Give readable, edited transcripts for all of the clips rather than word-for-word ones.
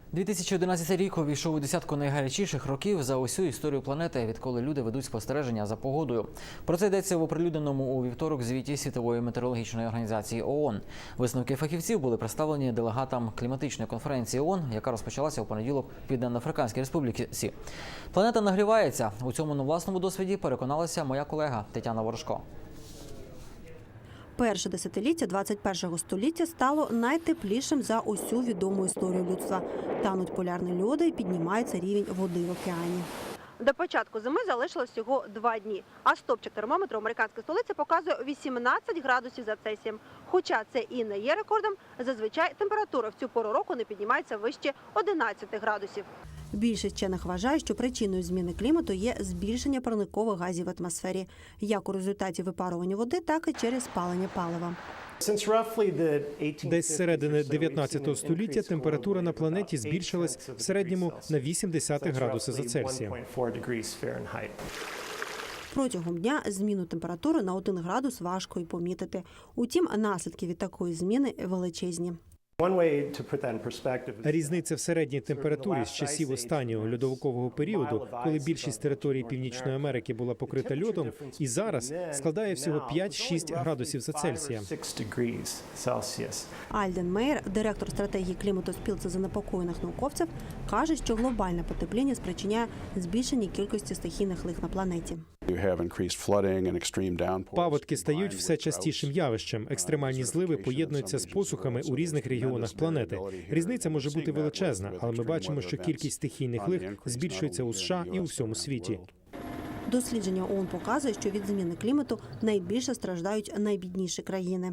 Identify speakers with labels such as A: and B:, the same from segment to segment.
A: 2011 рік увійшов у десятку найгарячіших років за усю історію планети, відколи люди ведуть спостереження за погодою. Про це йдеться в оприлюдненому у вівторок звіті Світової метеорологічної організації ООН. Висновки фахівців були представлені делегатам кліматичної конференції ООН, яка розпочалася у понеділок в Південно-Африканській Республіці. Планета нагрівається. У цьому на власному досвіді переконалася моя колега Тетяна Ворожко.
B: Перше десятиліття 21-го століття стало найтеплішим за усю відому історію людства. Тануть полярні льоди і піднімається рівень води в океані. До початку зими залишилось всього 2 дні, а стопчик термометру американської столиці показує 18 градусів за Цельсієм. Хоча це і не є рекордом, зазвичай температура в цю пору року не піднімається вище 11 градусів. Більшість вчених вважає, що причиною зміни клімату є збільшення парникових газів в атмосфері, як у результаті випарування води, так і через спалення палива.
C: Десь з середини 19 століття температура на планеті збільшилась в середньому на 0,8 градуси за Цельсієм.
B: Протягом дня зміну температури на 1 градус важко й помітити. Утім, наслідки від такої зміни величезні.
C: Різниця в середній температурі з часів останнього льодовикового періоду, коли більшість території Північної Америки була покрита льодом, і зараз складає всього 5-6 градусів за Цельсієм.
B: Альден Мейер, директор стратегії клімату спілці занепокоєних науковців, каже, що глобальне потепління спричиняє збільшення кількості стихійних лих на планеті.
C: Паводки стають все частішим явищем. Екстремальні зливи поєднуються з посухами у різних регіонах планети. Різниця може бути величезна, але ми бачимо, що кількість стихійних лих збільшується у США і у всьому світі.
B: Дослідження ООН показує, що від зміни клімату найбільше страждають найбідніші країни.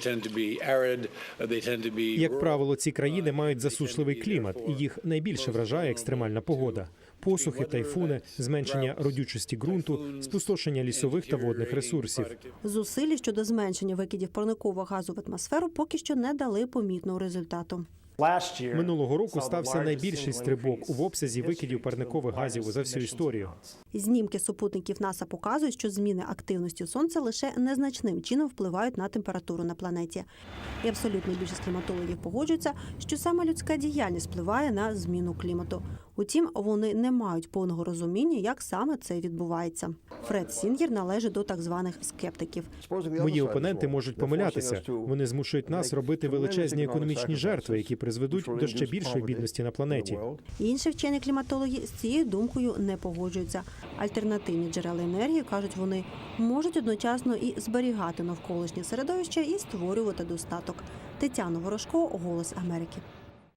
C: Як правило, ці країни мають засушливий клімат, і їх найбільше вражає екстремальна погода. Посухи, тайфуни, зменшення родючості ґрунту, спустошення лісових та водних ресурсів.
B: Зусилля щодо зменшення викидів парникового газу в атмосферу поки що не дали помітного результату.
C: Минулого року стався найбільший стрибок в обсязі викидів парникових газів за всю історію.
B: Знімки супутників НАСА показують, що зміни активності Сонця лише незначним чином впливають на температуру на планеті. І абсолютна більшість кліматологів погоджуються, що саме людська діяльність впливає на зміну клімату. Утім, вони не мають повного розуміння, як саме це відбувається. Фред Сінгер належить до так званих скептиків.
C: Мої опоненти можуть помилятися. Вони змушують нас робити величезні економічні жертви, які призведуть до ще більшої бідності на планеті.
B: Інші вчені кліматологи з цією думкою не погоджуються. Альтернативні джерела енергії, кажуть вони, можуть одночасно і зберігати навколишнє середовище, і створювати достаток. Тетяна Ворожко, «Голос Америки».